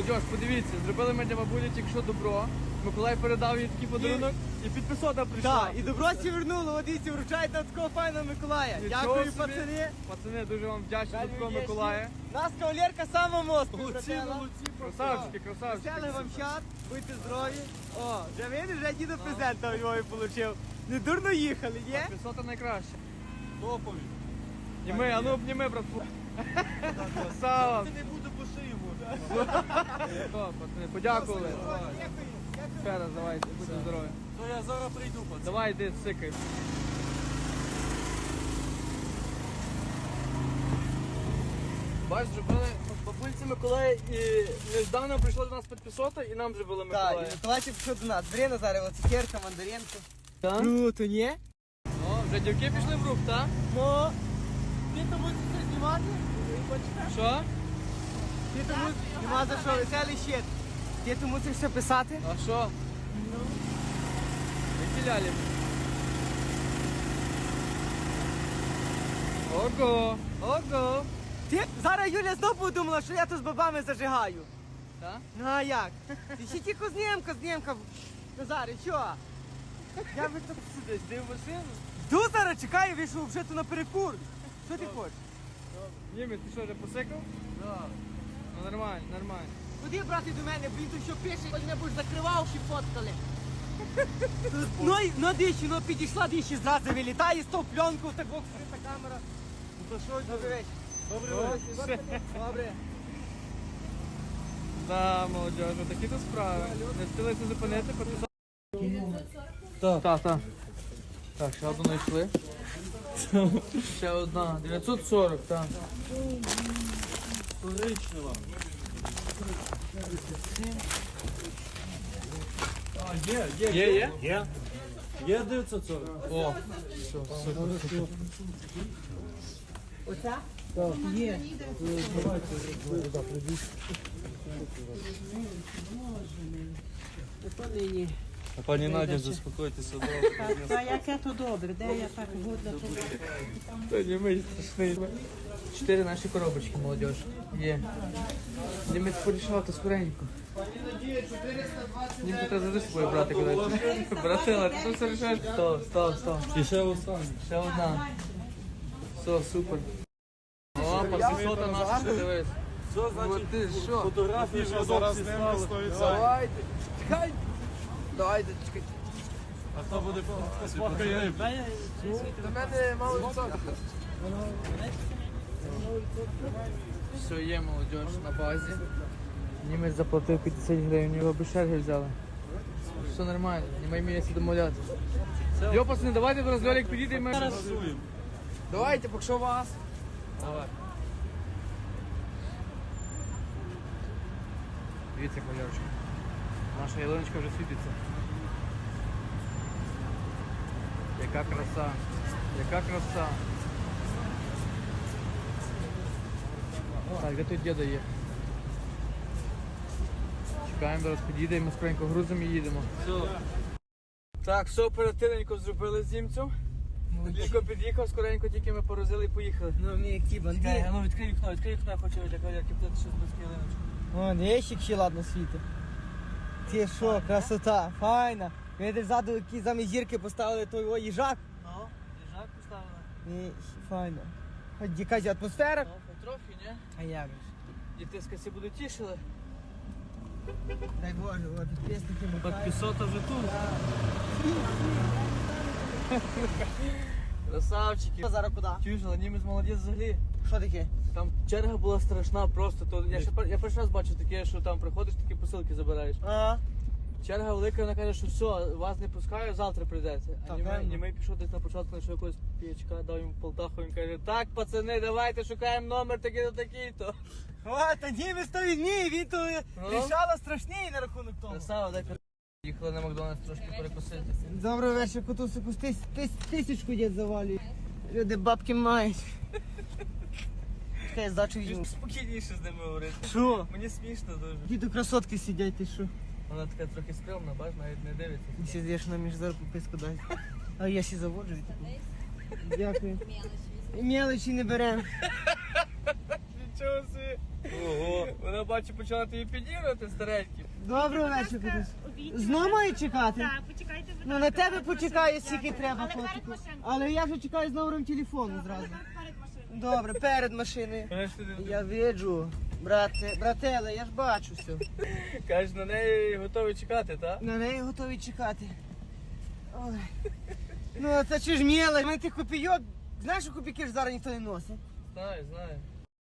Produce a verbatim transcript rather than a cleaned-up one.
молодь, подивіться, зробили ми для бабулі тільки що добро. Миколай передав їй такий подарунок і підписота прийшла. Так, і добро всі вернуло, от дивіться, вручають на такого файного Миколая. Нічого Дякую, собі. пацани. Пацани, дуже вам вдячні за такого Вдячні. Миколая. Нас кавалерка сама мосту. Красавчики, красавчики. Веселих вам щас, будьте здорові. О, вже видиш, вже діду презента у Львові отримав. Не дурно їхали, є? Підписота найкраще. Топові. Обніми, а ну обніми, братку. Красава. Ти не буде по шиї може. О, пацани, подякували. Ще раз, давайте, будьте здорові. То я зараз прийду, пацан. Давай, йди, сикай. Бач, зробили бабульці Миколая і неждано прийшло до нас підписота і нам зробили Так, Миколая. і Миколайчик пішов до нас. Бери Назаре, от цукерка, мандаринку. Так? Круто, ні? О, вже дівки пішли в рух, так? Ну, ти то будеш це знімати? Що? Ти то мусиш, нема за що, веселий щит. Ти то мусиш все писати? А що? Які лялі? Ого, ого. Ти зараз Юля знову подумала, що я тут з бабами зажигаю. Так? Ну а як? Ти ще тільки знімка, знімка. Назаре, що? Я би тут Сидиш, ти в машину? йду зараз, чекаю, вийшов вже тут на перекур. Що ти хочеш? Німець, ти що, вже посикав? Так. Ну нормально, нормально. Куди брати до мене, бо він тут що пише, мене будеш закривав, чи фоткали. Ну, і- ну дичі, ну підійшла дичі, зразу вилітає з того пленку, так бок скрита камера. Ну то що, добрий вечір. Добрий Ось, вечір. Добре. Да, молодежь, такі то справи. Не встилися зупинити, підписати. Так. Так, так. Так, ще одну знайшли. Ще одна. дев'ятсот сорок, так. Коричнева. А, є, є. Є, є? Є. Є дев'ятсот сорок. О, все, супер. Оця? Є. А пані Надя, заспокойтеся, добре. А яке то добре, де я так годна то Та німець страшний. Чотири наші коробочки, молодежь. Є. Німець порішав, то скоренько. Німцю треба завжди з собою брати, коли. Братила, ти тут все рішаєш? Стоп, стоп, стоп. І ще останнє. Ще одна. Все, супер. О, пасисота наша, ще дивись. Все, От значить, ти що? фотографії вже зараз ставили. Давайте, чекай. Давайте, чекай. А хто буде сфоткає? До мене мало відсотків. Все, є молодіж на базі. Німець заплатив п'ятдесят гривень, його без черги взяли. Все нормально, немає місця домовлятися. Йо, пацани, давайте до нас Льолік підійде і ми... Голосуємо. Давайте, поки що вас. Давай. Дивіться, кольорочка. Наша ялиночка вже світиться. Яка краса, яка краса. Так, де тут діда є? Чекаємо, зараз підійде і ми скоренько грузимо і їдемо. Все. Так, все оперативненько зробили з німцем. Тільки під'їхав, скоренько тільки ми порозили і поїхали. Ну, мені як ті Чекай, банди. а ну відкрий вікно, відкрий вікно, я хочу для кавалерки плити щось без ялиночки. О, не ще ще ладно світи. Ти що, красота, файна. Видиш, ззаду які замість зірки поставили той о, їжак. Ну, їжак поставили. Ні, файно. Хоч якась атмосфера. Ну, потрохи, ні? А як же? Діти скасі будуть тішили. Дай Боже, о, підписники Миколаїв. Підписота вже тут. Красавчики. Зараз куди? Чуєш, але німець молодець взагалі. Що таке? Там черга була страшна просто. То я ще пер- я перший раз бачу таке, що там приходиш, такі посилки забираєш. А, Черга велика, вона каже, що все, вас не пускаю, завтра прийдете. А Так, німей, правильно. німей пішов десь на початку, знайшов якогось п'ячка, дав йому полтаху, він каже, так, пацани, давайте шукаємо номер такий-то, такий-то. о, та німець то відмій, він то Ну? рішала страшний на рахунок того. Красава, дай пер- їхали на Макдональдс трошки перекусити. Добрий вечір, котусику, тис, тис, тисячку дід завалює. Люди бабки мають. Чекай, я здачу візьму. Спокійніше з ними говорити. Що? Мені смішно дуже. Діду красотки сидять, ти що? Вона така трохи скромна, бач, навіть не дивиться. Ти сидиш на між зараз пописку дай. А я ще заводжу і таку. Дякую. І мелочі не беремо. Нічого собі. Ого. Вона, бачу, почала тобі підігрувати старенький. Доброго вечора. Знову маю чекати? Так, почекайте, будь Ну на ласка, тебе перед почекаю, машиною. скільки треба, Але перед котику. машиною. Але я вже чекаю з номером телефону зразу. Перед машиною. Добре, перед машиною. Знаєш, ти Я виджу, брате, брателе, я ж бачу все. кажеш, на неї готовий чекати, так? На неї готові чекати. Ой. Ну, це чи ж міле, мене тих копійок. Знаєш, що копійки ж зараз ніхто не носить? Знаю, знаю.